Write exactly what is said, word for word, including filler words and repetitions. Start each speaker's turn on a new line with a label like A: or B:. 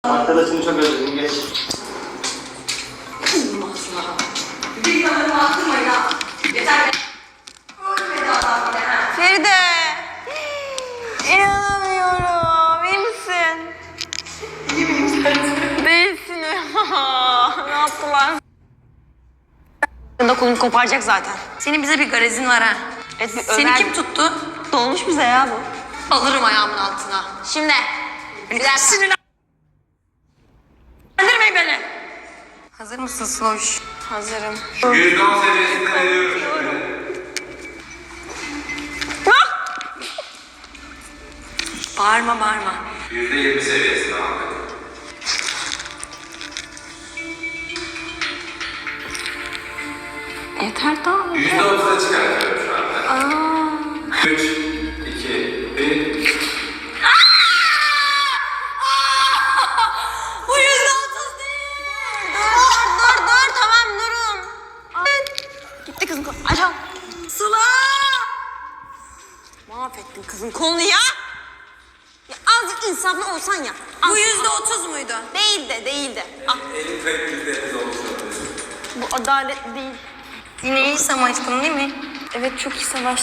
A: Arkadaşını çok özledim, geç.
B: Bir kamerımı attırmayın ha. Yeter be. Ölmedi adam bile ha.
C: Feride. İnanamıyorum. İyi misin?
B: İyi miyim sen?
C: Değilsin. Ne yaptılar? Da kolunu koparacak zaten.
B: Senin bize bir garezin var ha.
C: Evet, bir
B: Seni
C: Ömer-
B: kim tuttu?
C: Dolmuş bize ya bu.
B: Alırım ayağımın altına.
C: Şimdi. Bir dakika.
B: Sinirlendirmeyin beni. Hazır mısın Sloş?
C: Hazırım.
D: yüzde on seviyesinde veriyorum şimdi.
B: Bağırma bağırma.
D: yüzde yirmi seviyesinde abi.
C: Yeter daha.
D: yüzde otuza çıkartıyorum şu anda. üç, iki, bir.
B: Bu yüzde otuz değil.
C: Dur dur dur tamam durun. Gitti kızın kolu. Açam.
B: Sıla.
C: Mahvettin kızın kolunu ya. Ya azıcık insaflı olsan ya.
B: Bu
C: Az-
B: yüzde otuz muydu?
C: Değil de değil de. Ah,
D: Elin kayıp yüzde elli olmuş olabilir.
C: bu adalet değil.
B: Yine iyi savaştın değil mi?
C: Evet çok iyi savaştın.